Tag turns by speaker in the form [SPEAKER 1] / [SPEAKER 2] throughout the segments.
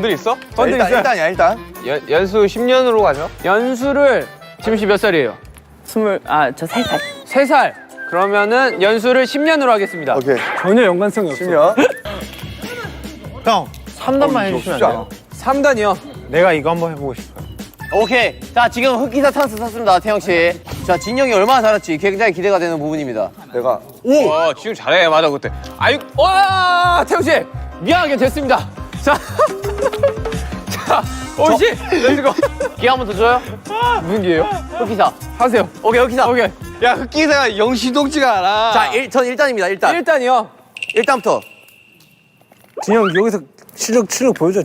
[SPEAKER 1] 번들 있어?
[SPEAKER 2] 번들 있어요.
[SPEAKER 3] 일단이야 일단.
[SPEAKER 1] 연수 10년으로 가죠.
[SPEAKER 2] 연수를 지민 씨 몇 살이에요?
[SPEAKER 4] 저 3살.
[SPEAKER 2] 3살. 그러면은 연수를 10년으로 하겠습니다.
[SPEAKER 3] 오케이.
[SPEAKER 2] 전혀 연관성이 없어.
[SPEAKER 3] 10년.
[SPEAKER 5] 형 3단만 해주시면 안 돼요?
[SPEAKER 2] 3단이요.
[SPEAKER 5] 내가 이거 한번 해보고 싶어요.
[SPEAKER 6] 오케이. 자, 지금 흑기사 찬스 샀습니다, 태영 씨. 자, 진영이 얼마나 잘할지 굉장히 기대가 되는 부분입니다.
[SPEAKER 3] 내가
[SPEAKER 1] 와, 지금 잘해. 맞아, 그때. 아유,
[SPEAKER 2] 와, 태영 씨 미안하게 됐습니다. 자, 자, 오씨, 렛츠고.
[SPEAKER 6] 기회 한 번 더 줘요?
[SPEAKER 2] 무슨 기회요?
[SPEAKER 6] 흑기사.
[SPEAKER 2] 하세요.
[SPEAKER 6] 오케이, 흑기사.
[SPEAKER 2] 오케이.
[SPEAKER 1] 야, 흑기사가 영시동지가 않아.
[SPEAKER 6] 자, 전 1단입니다, 1단.
[SPEAKER 2] 1단이요.
[SPEAKER 6] 1단부터.
[SPEAKER 5] 진영 여기서 실력 보여줘.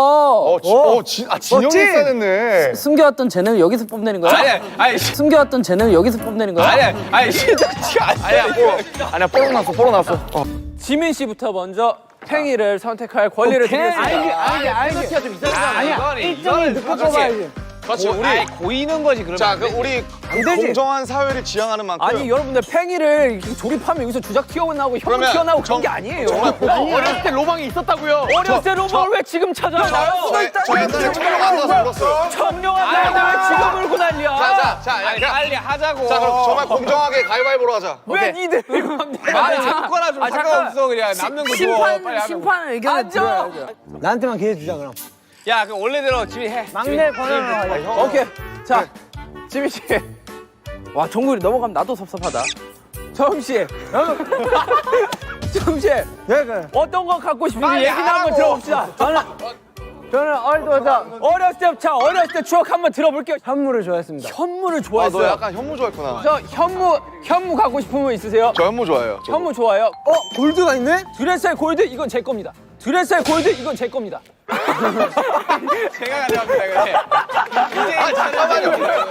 [SPEAKER 3] 진영이 있었네.
[SPEAKER 4] 숨겨왔던 재능을 여기서 뽐내는 거야?
[SPEAKER 1] 아니,
[SPEAKER 4] 숨겨왔던 재능을 여기서 뽐내는 거야?
[SPEAKER 1] 아니, 시동지가 아니야.
[SPEAKER 3] 아니야 뽀록 났어.
[SPEAKER 2] 지민 씨부터 먼저 팽이를 선택할 권리를 드리겠습니다.
[SPEAKER 6] 알겠지가 좀 이상하잖아.
[SPEAKER 1] 아니야, 일정이 늦고 뽑아야지. 그렇지, 우리 고이는 거지, 그러면.
[SPEAKER 3] 자, 우리 공정한 사회를 지향하는 만큼.
[SPEAKER 2] 아니 여러분들 팽이를 이렇게 조립하면 여기서 주작 튀어나오고 형
[SPEAKER 3] 그러면
[SPEAKER 2] 튀어나오고 그런 게 아니에요.
[SPEAKER 1] 어렸을 때 로망이 있었다고요.
[SPEAKER 2] 어렸을 때 로망을 왜 지금 찾아요?
[SPEAKER 3] 저 옛날에 청룡 만나서 울었어요.
[SPEAKER 2] 청룡한 나이인데 왜 지금 울고 난리야?
[SPEAKER 1] 자, 빨리 하자고.
[SPEAKER 3] 자, 그럼 정말 공정하게 가위바위보로 하자.
[SPEAKER 2] 왜 니들 이거
[SPEAKER 1] 아무거나 좀 상관없어, 그냥. 남는 거 줘. 빨리 하면.
[SPEAKER 4] 심판 의견을
[SPEAKER 2] 앉아.
[SPEAKER 5] 나한테만 기회 주자 그럼.
[SPEAKER 1] 야, 그럼 원래대로 지민 해.
[SPEAKER 5] 막내 권한으로 하자.
[SPEAKER 2] 오케이. 자, 지민 씨. 와, 정국이 넘어가면 나도 섭섭하다. 정우 씨. 정우 씨. 어떤 거 갖고 싶은지 얘기나 한번 들어봅시다. 저는 어렸을 때 추억 한번 들어볼게요.
[SPEAKER 5] 현무를 좋아했습니다.
[SPEAKER 2] 현무를
[SPEAKER 3] 너
[SPEAKER 2] 좋아했어요.
[SPEAKER 3] 약간 현무 좋아했구나.
[SPEAKER 2] 저 현무 갖고 싶은 분 있으세요?
[SPEAKER 3] 저 현무 좋아해요.
[SPEAKER 2] 현무 좋아요.
[SPEAKER 5] 골드가 있네?
[SPEAKER 2] 드레스의 골드 이건 제 겁니다. 드레스의 골드 이건 제 겁니다.
[SPEAKER 1] 제가 가져갑니다, 그래.
[SPEAKER 3] 잠깐만요.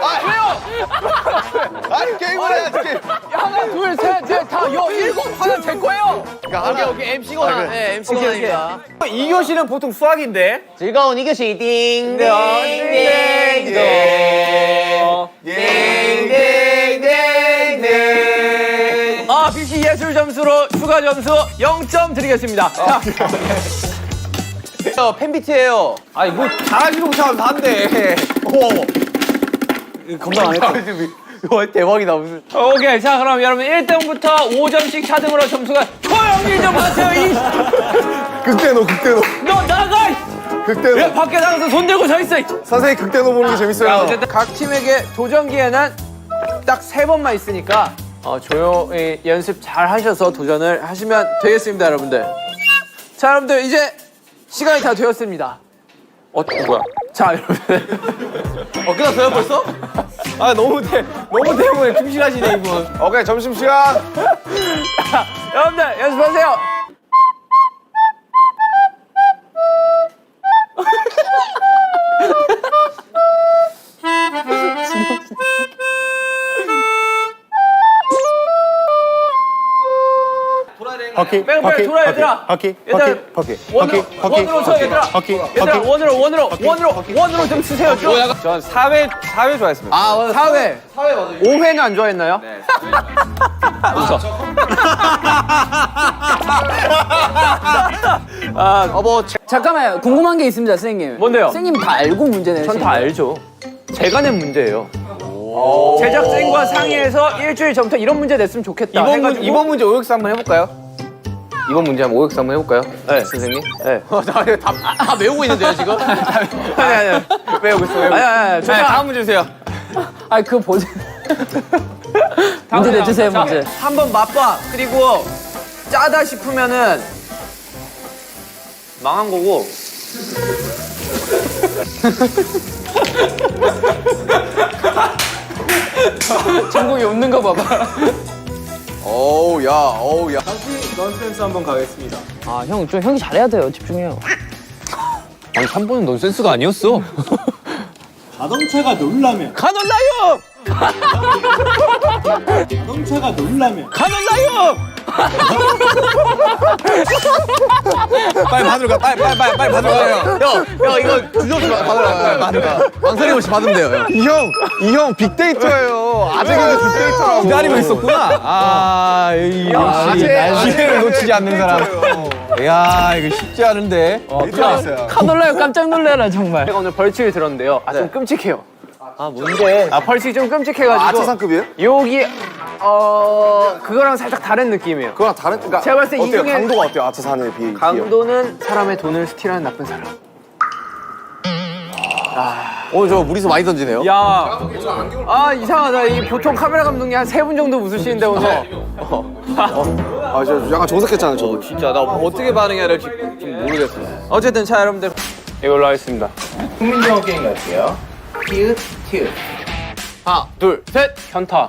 [SPEAKER 3] 왜요? 아니 게임을 해야지. 게임.
[SPEAKER 2] 하나, 둘, 셋, 넷, 다, 일곱 하나 제 거예요.
[SPEAKER 3] 그러니까
[SPEAKER 6] 오케이, MC 권한. 네, MC 권한입니다.
[SPEAKER 1] 2교시는 보통 수학인데.
[SPEAKER 6] 즐거운 이교시 띵.
[SPEAKER 2] 아, BC 예술 점수로 추가 점수 0점 드리겠습니다. 자,
[SPEAKER 6] 팬비트예요.
[SPEAKER 1] 아니, 뭐, 잘하지도 못하면서 한대.
[SPEAKER 6] 건강 안 했어. 와, 대박이다, 무슨.
[SPEAKER 2] 오케이. 자, 그럼 여러분 1등부터 5점씩 차등으로 점수가 조용히 좀 하세요.
[SPEAKER 3] 극대노.
[SPEAKER 2] 너 나가! 왜
[SPEAKER 3] 극대노.
[SPEAKER 2] 밖에 나가서 손 들고 서 있어?
[SPEAKER 3] 선생님 극대노 보는 게 재밌어요.
[SPEAKER 2] 어쨌든 각 팀에게 도전 기회는 딱 3번만 있으니까 조용히 연습 잘 하셔서 도전을 하시면 되겠습니다, 여러분들. 자, 여러분들 이제 시간이 다 되었습니다. 뭐야? 자, 여러분들.
[SPEAKER 6] 끝났어요, 벌써?
[SPEAKER 1] 아, 너무 대본에 충실하시네, 이분.
[SPEAKER 3] 오케이 점심시간.
[SPEAKER 2] 여러분들 연습하세요.
[SPEAKER 5] 바퀴.
[SPEAKER 2] 빨리 돌아, 얘들아. 얘들아, 원으로 쳐, 얘들아. 얘들아, 원으로 좀 치세요. 좀.
[SPEAKER 1] 전 4회 좋아했습니다.
[SPEAKER 6] 아, 맞아.
[SPEAKER 2] 4회. 5회는 안 좋아했나요? 네. 웃어.
[SPEAKER 4] 잠깐만요. 궁금한 게 있습니다, 선생님.
[SPEAKER 2] 뭔데요?
[SPEAKER 4] 선생님 다 알고 문제 내신
[SPEAKER 2] 전 다 알죠. 제가 낸 문제예요. 제작진과 상의해서 일주일 전부터 이런 문제 냈으면 좋겠다.
[SPEAKER 1] 이번 문제 OX 한번 해볼까요? 이번 문제 한번 OX 한번 해볼까요? 네, 선생님. 네.
[SPEAKER 6] 다 외우고 있는데요, 지금?
[SPEAKER 2] 아니.
[SPEAKER 1] 외우고 있어요.
[SPEAKER 2] 아니.
[SPEAKER 1] 네, 다음 문제 주세요.
[SPEAKER 4] 아니, 그거 보세요. 문제 내주세요, 문제.
[SPEAKER 2] 한번 맛봐. 그리고 짜다 싶으면은 망한 거고. 정국이 웃는 거 봐봐.
[SPEAKER 3] 어우 야.
[SPEAKER 5] 넌센스 한번 가겠습니다.
[SPEAKER 4] 아, 형이 잘해야 돼요. 집중해요.
[SPEAKER 1] 아니, 3번은 넌센스가 아니었어.
[SPEAKER 5] 자동차가 놀라면.
[SPEAKER 2] 가놀라요!
[SPEAKER 5] 자동차가 놀라면.
[SPEAKER 2] 가놀라요!
[SPEAKER 3] 빨리 받으러 가. 빨리 받으러 가요.
[SPEAKER 6] 형 이거 주저없이 받으러 가요. 망설임 없이 받으면 돼요.
[SPEAKER 3] 이 형 빅데이터예요. 아재가 빅데이터라고.
[SPEAKER 5] 기다리고 있었구나. 아, 역시 기회를 놓치지 않는 사람. 야, 이거 쉽지 않은데.
[SPEAKER 4] 놀라요. 깜짝 놀래라 정말.
[SPEAKER 2] 제가 오늘 벌칙을 들었는데요. 좀 끔찍해요. 뭔데? 벌칙이 좀 끔찍해가지고.
[SPEAKER 3] 아차상급이에요?
[SPEAKER 2] 여기 그거랑 살짝 다른 느낌이에요.
[SPEAKER 3] 그거랑 다른 그러니까
[SPEAKER 2] 제가 봤을 때 이
[SPEAKER 3] 어때요?
[SPEAKER 2] 중에
[SPEAKER 3] 강도가 어때요? 아차산에 비해.
[SPEAKER 2] 강도는 사람의 돈을 스틸하는 나쁜 사람.
[SPEAKER 6] 오늘 저 무리수 많이 던지네요.
[SPEAKER 2] 야, 이상하다. 이 보통 카메라 감독님 한 3분 정도 웃으시는데 오늘.
[SPEAKER 3] 아, 저 약간 정색했잖아요, 저.
[SPEAKER 6] 진짜 나 어떻게 반응해야 될지 좀 모르겠어.
[SPEAKER 2] 어쨌든 자 여러분들 이걸로 하겠습니다. 국민영어 게임 갈게요. 티읕 티읕.
[SPEAKER 6] 하나, 둘, 셋.
[SPEAKER 2] 현타.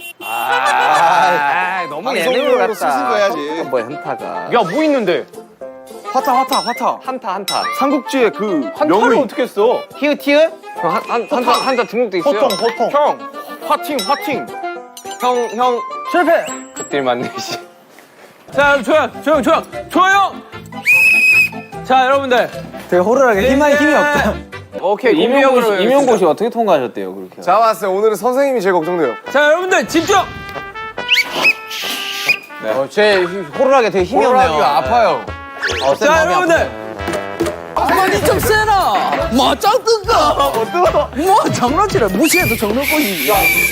[SPEAKER 3] 너무 예능으로 쓰신 거 해야지.
[SPEAKER 1] 뭐야 현타가.
[SPEAKER 2] 야, 뭐 있는데?
[SPEAKER 3] 화타.
[SPEAKER 1] 한타.
[SPEAKER 3] 삼국지의 그
[SPEAKER 2] 한타를
[SPEAKER 3] 명의.
[SPEAKER 2] 어떻게 했어?
[SPEAKER 6] 티읕 티읕.
[SPEAKER 1] 한타 등록돼 있어요.
[SPEAKER 3] 호통.
[SPEAKER 2] 형, 화팅.
[SPEAKER 6] 형 실패.
[SPEAKER 2] 그때 맞네 씨. 자, 조용. 자, 여러분들.
[SPEAKER 5] 되게 호루라기 힘이 없다.
[SPEAKER 2] 오케이, 임명으로.
[SPEAKER 1] 임용고시 어떻게 통과하셨대요 그렇게?
[SPEAKER 3] 잡았어요. 오늘은 선생님이 제일 걱정돼요.
[SPEAKER 2] 자, 여러분들 집중.
[SPEAKER 6] 제 호루라기 되게 힘이 없네요.
[SPEAKER 3] 호루라기가 아파요.
[SPEAKER 2] 자, 여러분들.
[SPEAKER 4] 아니 좀 세나. 맞짱 뜬가. 뭐 장난치라. 무시해도 장난꾸지.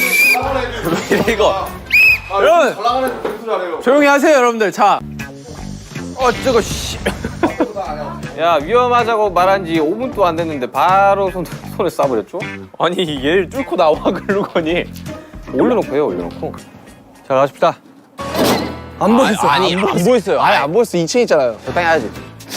[SPEAKER 6] 이거.
[SPEAKER 2] 여러분, 조용히 하세요, 여러분들. 자. 저거 씨.
[SPEAKER 1] 야 위험하자고 말한 지 5분도 안 됐는데 바로 손에 쏴버렸죠?
[SPEAKER 2] 아니, 얘를 뚫고 나와 글루건이.
[SPEAKER 1] 올려놓고 해요 올려놓고.
[SPEAKER 5] 자, 가십시다. 안 보셨어.
[SPEAKER 6] 아니 안 보였어요. 아니 안 보였어. 2층 있잖아요.
[SPEAKER 1] 적당히 해야지.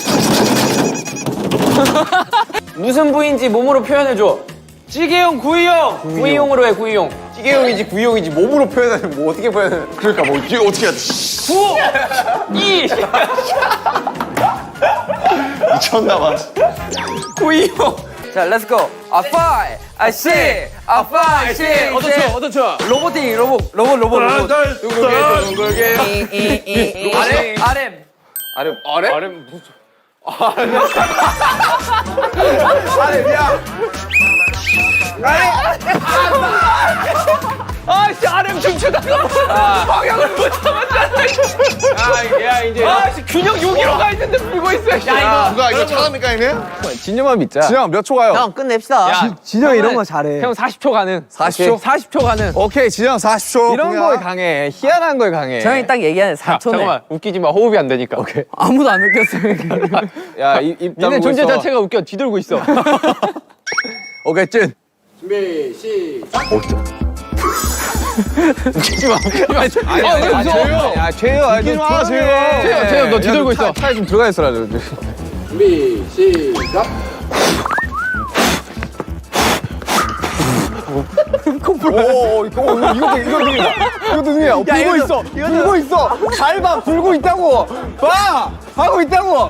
[SPEAKER 2] 무슨 부위인지 몸으로 표현해줘. 찌개용, 구이용. 구이용으로 해, 구이용.
[SPEAKER 6] 찌개용인지 구이용인지 몸으로 표현하면 뭐 어떻게 표현해?
[SPEAKER 3] 그러니까 뭐 이게 어떻게 하지?
[SPEAKER 2] 2.
[SPEAKER 3] 미쳤나봐.
[SPEAKER 2] 구이용. 자, 렛츠고. 아, 5, 아, 6, 아, 5, 6.
[SPEAKER 6] 어떤 쳐?
[SPEAKER 2] 로봇팅, 로봇. 둥글게. RM 무슨. 아씨, RM 춤추다가 방향을 못 잡았잖아. 야, 이제. 아씨, 균형 여기로 가 있는데 불고 있어. 야,
[SPEAKER 3] 누가 이거 차갑니까, 형님?
[SPEAKER 1] 진영만 믿자.
[SPEAKER 3] 진영 몇 초 가요?
[SPEAKER 6] 형 끝냅시다.
[SPEAKER 5] 진영이 이런 거 잘해.
[SPEAKER 2] 형 40초 가능.
[SPEAKER 3] 40초?
[SPEAKER 2] 40초 가능.
[SPEAKER 3] 오케이, 진영 40초.
[SPEAKER 1] 이런 거에 강해. 희한한 거에 강해.
[SPEAKER 4] 저형이 딱 얘기하는 4초네.
[SPEAKER 2] 잠깐만, 웃기지 마. 호흡이 안 되니까. 오케이.
[SPEAKER 4] 아무도 안 웃겼어요.
[SPEAKER 1] 야입
[SPEAKER 2] 니네
[SPEAKER 1] 다물고
[SPEAKER 2] 존재
[SPEAKER 1] 있어.
[SPEAKER 2] 자체가 웃겨. 뒤돌고 있어.
[SPEAKER 1] 오케이 찐. 야 죄요.
[SPEAKER 3] 웃기지 마, 죄요.
[SPEAKER 2] 재영, 너 뒤돌고 있어.
[SPEAKER 1] 차에 좀 들어가 있어라.
[SPEAKER 3] 오, 이거 능이다. 이것도 능이야. 불고 있어. 불고 있어. 잘 봐. 불고 있다고. 봐. 하고 있다고.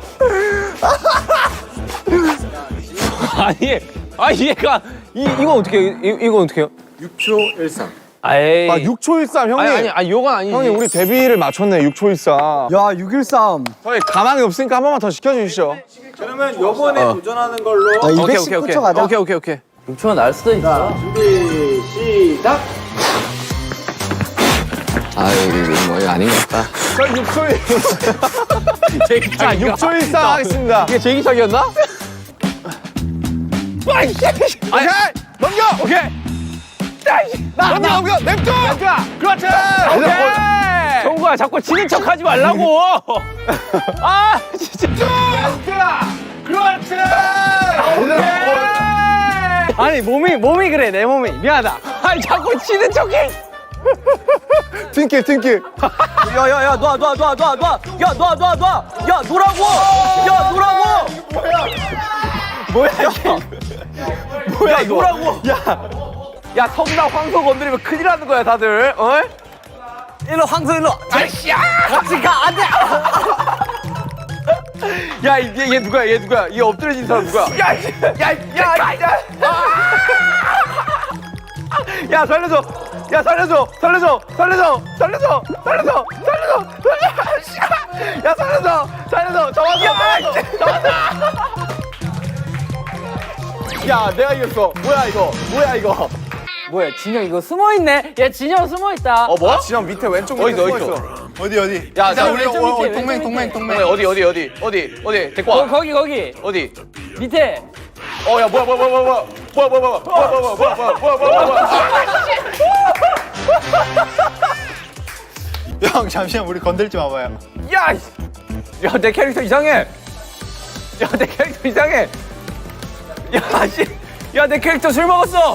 [SPEAKER 2] 아니, 얘가 이거 어떻게 해? 이거 어떻게 해요?
[SPEAKER 3] 6초 13.
[SPEAKER 2] 에이.
[SPEAKER 3] 아, 6초 13. 형님.
[SPEAKER 2] 아니, 이건 아니지.
[SPEAKER 3] 형님, 우리 데뷔를 맞췄네. 6초 13.
[SPEAKER 5] 야, 613.
[SPEAKER 3] 저희 가망이 없으니까 한 번만 더 시켜주시죠.
[SPEAKER 5] 그러면 요번에 도전하는 걸로. 자, 219초 가자.
[SPEAKER 2] 오케이.
[SPEAKER 4] 6초가 날 수도 있어.
[SPEAKER 1] 아 이거 이거 아닌 것 같다.
[SPEAKER 3] 저 6초 1. 자, 6초 13 하겠습니다.
[SPEAKER 2] 이게 제기차기였나?
[SPEAKER 3] 오케이. 넘겨.
[SPEAKER 2] 오케이.
[SPEAKER 3] 넘겨. 냅둬. 그렇지. 오케이.
[SPEAKER 2] 정국아, 자꾸 지는 척 하지 말라고. 아, 진짜.
[SPEAKER 3] 그렇지.
[SPEAKER 2] 아니, 몸이 그래, 내 몸이. 미안하다. 아니, 자꾸 지는 척해.
[SPEAKER 3] 팅킬.
[SPEAKER 2] 야, 놔. 야, 놓라고. 야, 놓라고. 뭐야, 놓라고. 야, 성나 황소 건드리면 큰일 나는 거야, 다들. 어?
[SPEAKER 4] 일로 황소 일로.
[SPEAKER 2] 아이씨야! 같이 가, 안 돼! 야, 얘 누구야, 얘 엎드려진 사람 누구야? 야, 살려줘!
[SPEAKER 3] 야 살려줘 살려줘 살려줘 살려줘 살려줘 살려줘 야 살려줘 살려줘 잡았어 야 내가 이겼어 뭐야 이거
[SPEAKER 4] 뭐야 진영 이거 숨어 있네. 야 진영 숨어 있다.
[SPEAKER 3] 뭐? 진영 밑에 왼쪽 밑에 숨어있어 어디
[SPEAKER 6] 야, 나 우리
[SPEAKER 4] 왼쪽 밑에,
[SPEAKER 6] 동맹 어디 데리고 와.
[SPEAKER 4] 거기
[SPEAKER 6] 어디?
[SPEAKER 4] 밑에.
[SPEAKER 3] 야 뭐야
[SPEAKER 5] 형 잠시만 우리 건들지 마봐요.
[SPEAKER 2] 야 내 캐릭터 이상해. 야 내 캐릭터 이상해. 야 내 캐릭터 술 먹었어.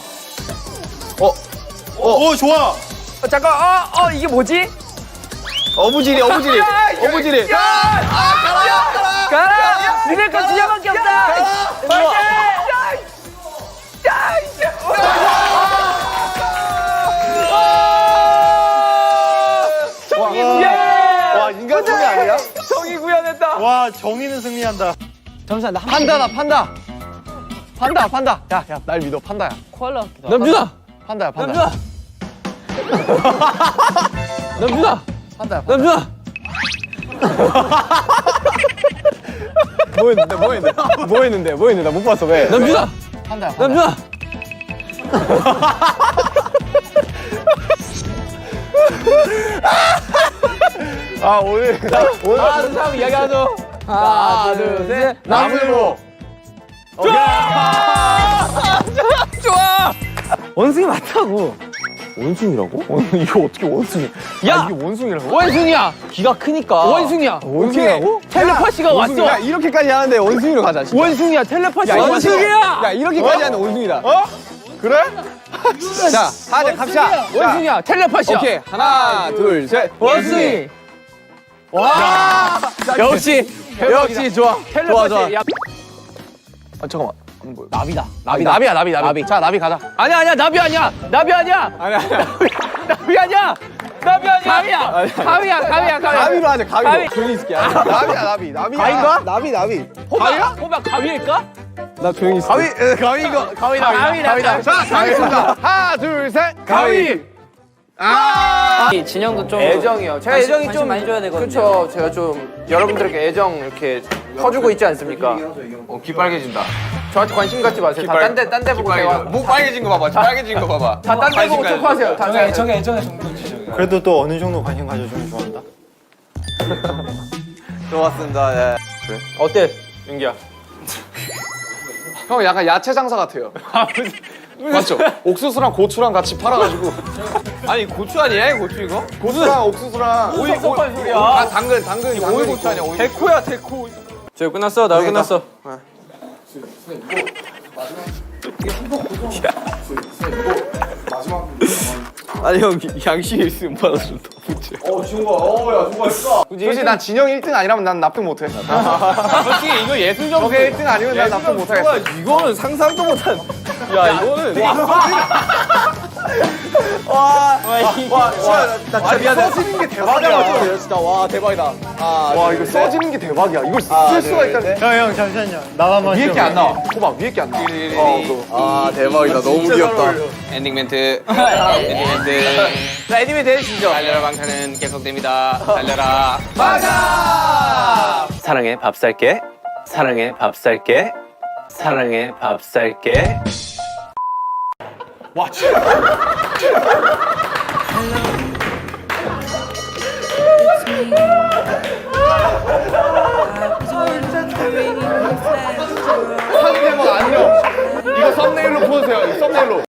[SPEAKER 5] 오 좋아.
[SPEAKER 2] 잠깐 이게 뭐지?
[SPEAKER 3] 어부지리
[SPEAKER 2] 가라! 니네 거 진영밖에 없다!
[SPEAKER 3] 와 인간 소리 아니야?
[SPEAKER 2] 정이 구현했다.
[SPEAKER 5] 와 정의는 승리한다.
[SPEAKER 6] 판다다, 판다. 야, 날 믿어, 판다야.
[SPEAKER 4] 코알라.
[SPEAKER 2] 남준아!
[SPEAKER 6] 판다야.
[SPEAKER 2] 남준아! 남준아!
[SPEAKER 6] 판다야.
[SPEAKER 2] 남준아!
[SPEAKER 3] 뭐 했는데 나 못 봤어 왜?
[SPEAKER 2] 남준아!
[SPEAKER 6] 판다야.
[SPEAKER 2] 남준아!
[SPEAKER 3] 오늘
[SPEAKER 2] 하나, 둘, 셋, 이야기하죠. 하나, 둘, 셋.
[SPEAKER 3] 나무로
[SPEAKER 2] 좋아!
[SPEAKER 3] 원숭이 맞다고. 원숭이라고? 이거 어떻게 원숭이?
[SPEAKER 2] 야!
[SPEAKER 3] 이게 원숭이라고?
[SPEAKER 2] 원숭이야! 기가 크니까. 원숭이야.
[SPEAKER 3] 원숭이라고?
[SPEAKER 2] 텔레파시가 왔어.
[SPEAKER 3] 야 이렇게까지 하는데 원숭이로 가자. 진짜.
[SPEAKER 2] 원숭이야, 텔레파시.
[SPEAKER 3] 야,
[SPEAKER 2] 원숭이야!
[SPEAKER 3] 야 이렇게까지 하는 원숭이다. 그래? 자, 하자 갑시다.
[SPEAKER 2] 원숭이야, 텔레파시야.
[SPEAKER 3] 오케이 하나 둘 셋.
[SPEAKER 2] 원숭이.
[SPEAKER 3] 와. 역시 좋아.
[SPEAKER 2] 텔레파시. 야,
[SPEAKER 3] 아 잠깐만. 안 보여.
[SPEAKER 6] 나비야, 나비. 자, 나비 가자.
[SPEAKER 2] 아니야, 나비 아니야. 나비 아니야.
[SPEAKER 3] 아니야.
[SPEAKER 2] 나비 아니야. 나비 아니야. 가위야.
[SPEAKER 3] 가위로 하자. 가위로.
[SPEAKER 2] 가위.
[SPEAKER 3] 조용히 있을게. 나비야. 가위인가? 나비.
[SPEAKER 2] 호박 가위일까?
[SPEAKER 3] 나 조용히 있을게. 가위다.
[SPEAKER 2] 가위다.
[SPEAKER 3] 자, 가겠습니다. 하나 둘 셋. 가위.
[SPEAKER 4] 진영도 좀
[SPEAKER 2] 애정이요. 제가 애정이
[SPEAKER 4] 관심
[SPEAKER 2] 좀
[SPEAKER 4] 많이 줘야 되거든요.
[SPEAKER 2] 그렇죠. 제가 좀 여러분들에게 애정 이렇게 퍼주고 있지 않습니까?
[SPEAKER 1] 귀 빨개진다.
[SPEAKER 2] 저한테 관심 갖지 마세요. 다 딴 데 보고 제가
[SPEAKER 1] 목 빨개진 거 봐봐. 빨개진 거 봐봐.
[SPEAKER 2] 다 딴 데 보고 토크하세요. 다 애정에
[SPEAKER 5] 그래도 또 어느 정도 관심 가져주면 좋아한다.
[SPEAKER 3] 좋았습니다. 예.
[SPEAKER 2] 어때, 윤기야?
[SPEAKER 3] 형 약간 야채 장사 같아요. 맞죠? 옥수수랑 고추랑 같이 팔아가지고.
[SPEAKER 1] 아니 고추 아니야? 고추 이거?
[SPEAKER 3] 고수랑 옥수수랑 오이
[SPEAKER 2] 섭섭한 소리야.
[SPEAKER 3] 당근 오이 고추 아니야? 오이.
[SPEAKER 2] 데코야, 데코. 저 끝났어. 나 끝났어.
[SPEAKER 1] 아니 형 양식이 있으면 받아줘.
[SPEAKER 3] 솔직히 난 진영 1등 아니라면 난 납득 못해.
[SPEAKER 1] 솔직히 이거 예술 점수.
[SPEAKER 3] 저게 1등 아니면 난 납득 못하겠어.
[SPEAKER 1] 이거는 상상도 못한. 야 이거는.
[SPEAKER 3] 나 미안해. 써지는 게 대박이야. 진짜 와 대박이다. 와 이거 써지는 게 대박이야. 이걸 쓸 수가 있다는.
[SPEAKER 5] 형 잠시만요. 나만
[SPEAKER 3] 위에 게 안 나와. 호박 위에 게 안 나와. 대박이다. 너무 귀엽다.
[SPEAKER 1] 엔딩 멘트. 엔딩 멘트.
[SPEAKER 2] 자, 애니메 대해주시죠.
[SPEAKER 1] 달려라 방탄은 계속됩니다. 달려라.
[SPEAKER 2] 사랑해, 밥 살게. 사랑해, 밥 살게. 사랑해, 밥 살게.
[SPEAKER 3] 와 진짜.